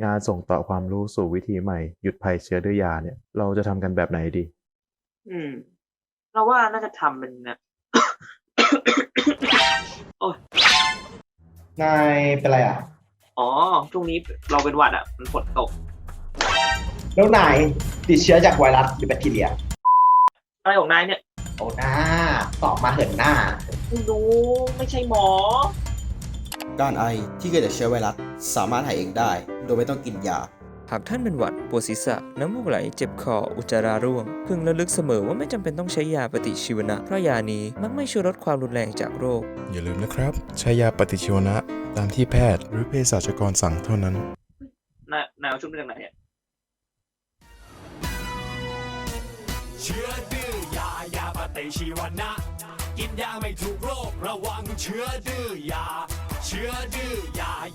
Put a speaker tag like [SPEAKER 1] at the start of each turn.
[SPEAKER 1] งานส่งต่อความรู้สู่วิธีใหม่หยุดภัยเชื้อด้วยยาเนี่ยเราจะทำกันแบบไหนดี
[SPEAKER 2] อืมเราว่าน่าจะทำเป็นนะ โอ้ย
[SPEAKER 3] นายเป็นไรอ่ะ
[SPEAKER 2] อ๋อช่วงนี้เราเป็นหวัดอ่ะมันฝนตก
[SPEAKER 3] แล้วนายติดเชื้อจากไวรัสหรือแบคทีเรีย
[SPEAKER 2] อะไรของนายเนี่ย
[SPEAKER 3] โอ้หน้าตอบมาเหินหน้า
[SPEAKER 2] ไม่รู้ไม่ใช่หมอ
[SPEAKER 4] การไอที่เกิดจากเชื้อไวรัสสามารถหายเองได้โดยไม่ต้องกินยา
[SPEAKER 5] หากท่านเป็นหวัดปวดศีรษะน้ำมูกไหลเจ็บคออุจจาระร่วงพึงระลึกเสมอว่าไม่จำเป็นต้องใช้ยาปฏิชีวนะเพราะยานี้มักไม่ช่วยลดความรุนแรงจากโรค
[SPEAKER 6] อย่าลืมนะครับ ใช้ยาปฏิชีวนะตามที่แพทย์หรือเภสัชกรสั่งเท่านั้น
[SPEAKER 2] นายเอาชุดมาจากไหนเนี่ย
[SPEAKER 7] เชื้อดื้อยาปฏิชีวนะกินยาไม่ถูกโรคระวังเชื้อดื้อยาเชื้อดื้อยา